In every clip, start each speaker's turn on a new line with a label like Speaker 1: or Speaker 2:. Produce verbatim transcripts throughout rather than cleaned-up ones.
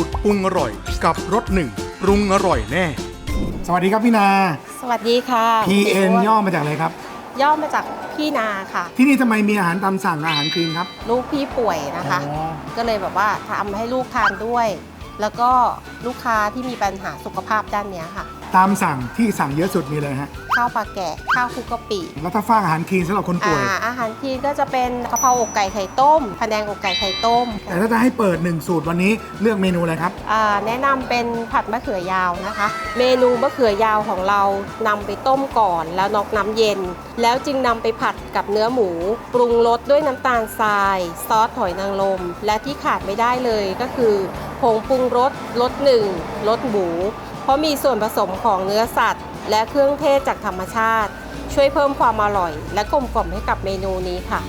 Speaker 1: ตรปรุงอร่อยกับรสหนึ่งปรุงอร่อยแน่
Speaker 2: สวัสดีครับพี่นา
Speaker 3: สวัสดีค่ะ
Speaker 2: พี เอ็น ย่อมาจากอะไรครับ
Speaker 3: ย่อมาจากพี่นาค่ะ
Speaker 2: ที่นี่ทำไมมีอาหารตามสั่งอาหารคลีนครับ
Speaker 3: ลูกพี่ป่วยนะคะก็เลยแบบว่าทำให้ลูกทานด้วย แล้วก็ลูกค้าที่มีปัญหาสุขภาพด้านนี้ค่ะ
Speaker 2: ตามสั่งที่สั่งเยอะสุดมีเลยฮะ
Speaker 3: ข้าวปลาแกะข้าวคลุกกะปิ
Speaker 2: แล้วถ้าฝากอาหารคลีนสำหรับคนป่วย
Speaker 3: อาอาหารคลีนก็จะเป็นกะเพราอกไก่ไข่ต้มพะแนงอกไก่ไข่ต้ม
Speaker 2: แต่ถ้าจะให้เปิดหนึ่งสูตรวันนี้เลือกเมนูอะไรครับ
Speaker 3: แนะนำเป็นผัดมะเขือยาวนะคะเมนูมะเขือยาวของเรานำไปต้มก่อนแล้วนอกน้ำเย็นแล้วจึงนำไปผัดกับเนื้อหมูปรุงรสด้วยน้ำตาลทรายซอสหอยนางรมและที่ขาดไม่ได้เลยก็คือผงปรุงรสรสหนึ่งรสหมูเพราะมีส่วนผสมของเนื้อสัตว์และเครื่องเทศจากธรรมชาติช่วยเพิ่มความอร่อยและกลมกล่อมให้กับเมนูนี้ค่ะ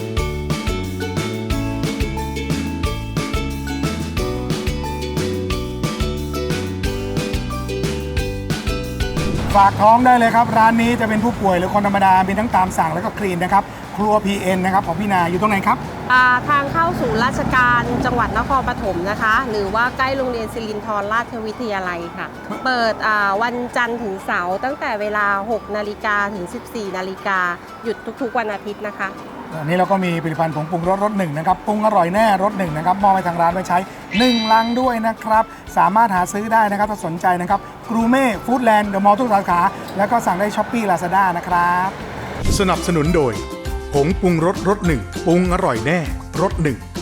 Speaker 2: ฝากท้องได้เลยครับร้านนี้จะเป็นผู้ป่วยหรือคนธรรมดามีทั้งตามสั่งแล้วก็คลีนนะครับครัว พี เอ็น นะครับของพี่นาอยู่ตรงไหนครับ
Speaker 3: ทางเข้าสู่ราชการจังหวัดนครปฐมนะคะหรือว่าใกล้โรงเรียนศิรินทรราชวิทยาลัยค่ะเปิดวันจันทร์ถึงเสาร์ตั้งแต่เวลาหกนาฬิกาถึงสิบสี่นาฬิกาหยุดทุกๆวันอาทิตย์นะคะ
Speaker 2: อันนี้เราก็มีผลิตภัณฑ์ผงปรุงรสรสหนึ่งนะครับปรุงอร่อยแน่รสหนึ่งนะครับมอบให้ทางร้านไว้ใช้หนึ่งลังด้วยนะครับสามารถหาซื้อได้นะครับถ้าสนใจนะครับกรูเม่ฟู้ดแลนด์เดอะมอลล์ทุกสาขาแล้วก็สั่งได้ช้อปปี้ลาซาด้านะครับ
Speaker 1: สนับสนุนโดยผงปรุงรสรสหนึ่งปรุงอร่อยแน่รสหนึ่ง